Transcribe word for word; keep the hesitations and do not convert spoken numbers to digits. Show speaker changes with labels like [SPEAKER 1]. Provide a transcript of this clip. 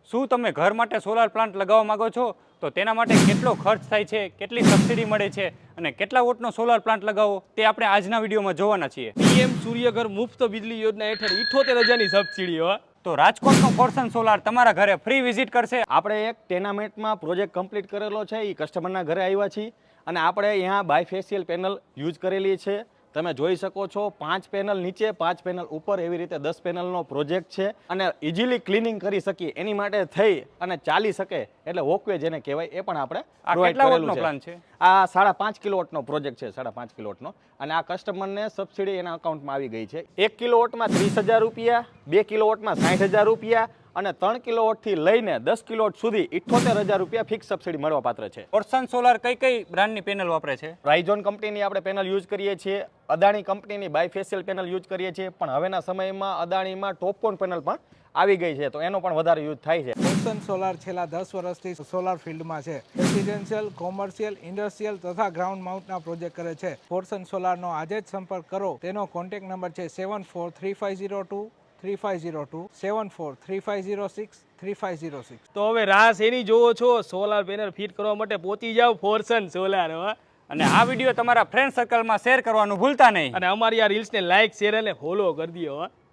[SPEAKER 1] શું તમે ઘર માટે સોલાર પ્લાન્ટ લગાવવા માંગો છો તો તેના માટે કેટલો ખર્ચ થાય છે, કેટલી સબસિડી મળે છે અને કેટલા વોટનો સોલાર પ્લાન્ટ લગાવવો તે આપણે આજના વિડીયોમાં જોવાના છીએ।
[SPEAKER 2] પીએમ સૂર્યઘર મુફ્ત વીજળી યોજના હેઠળ ઇઠ્ઠોતેર હજારની સબસિડી હો।
[SPEAKER 1] તો રાજકોટનો ફોર્સન સોલાર તમારા ઘરે ફ્રી વિઝિટ કરશે।
[SPEAKER 3] આપણે એક ટેનામેન્ટમાં પ્રોજેક્ટ કમ્પ્લીટ કરેલો છે, એ કસ્ટમરના ઘરે આવ્યા છીએ અને આપણે અહીંયા બાયફેશિયલ પેનલ યુઝ કરેલી છે। તમે જોઈ શકો છો પાંચ પેનલ નીચે, પાંચ પેનલ ઉપર, એવી રીતે દસ પેનલનો પ્રોજેક્ટ છે અને ઇઝીલી ક્લિનિંગ કરી શકીએ એની માટે થઈ અને ચાલી શકે એટલે વોકવે જેને કહેવાય એ પણ આપણે
[SPEAKER 1] આ
[SPEAKER 3] provide
[SPEAKER 1] કેટલા
[SPEAKER 3] કરેલું
[SPEAKER 1] વોટનો પ્લાન છે?
[SPEAKER 3] આ સાડા પાંચ કિલોવોટનો પ્રોજેક્ટ છે, સાડા પાંચ કિલોવોટનો, અને આ કસ્ટમરને સબસિડી એના અકાઉન્ટમાં આવી ગઈ છે। એક કિલોવોટમાં ત્રીસ હજાર રૂપિયા, બે કિલોવોટમાં સાઠ હજાર રૂપિયા અને ત્રણ કિલોવોટથી લઈને દસ કિલોવોટ સુધી ઇઠ્ઠોતેર હજાર રૂપિયા ફિક્સ સબસિડી મળવા પાત્ર છે।
[SPEAKER 1] ફોર્સન સોલાર કઈ કઈ બ્રાન્ડની પેનલ વાપરે છે?
[SPEAKER 3] રાઇઝોન કંપનીની આપણે પેનલ યુઝ કરીએ છીએ, અદાણી કંપનીની બાયફેશિયલ પેનલ યુઝ કરીએ છીએ, પણ હવેના સમયમાં અદાણીમાં ટોપકોન પેનલ પણ આવી ગઈ છે તો એનો પણ વધારે યુઝ થાય છે।
[SPEAKER 4] ફોર્સન સોલાર છેલ્લા દસ વર્ષથી સોલાર ફિલ્ડમાં છે। રેસિડેન્શિયલ, કોમર્શિયલ, ઇન્ડસ્ટ્રીયલ તથા ગ્રાઉન્ડ માઉન્ટના પ્રોજેક્ટ કરે છે। ફોર્સન સોલારનો આજે જ સંપર્ક કરો। તેનો કોન્ટેક્ટ નંબર છે seven four three five zero two three five zero two, seven four three five zero six three five zero six.
[SPEAKER 2] તો હવે રાસ એની જોવો છો, સોલાર પેનલ ફિટ કરવા માટે પહોંચી જાવ ફોર્સન સોલાર હો।
[SPEAKER 1] અને આ વિડીયો તમારા ફ્રેન્ડ સર્કલમાં શેર કરવાનું ભૂલતા નહીં।
[SPEAKER 2] અને અમારી આ રીલ્સને લાઈક, શેર અને ફોલો કરી દો હો।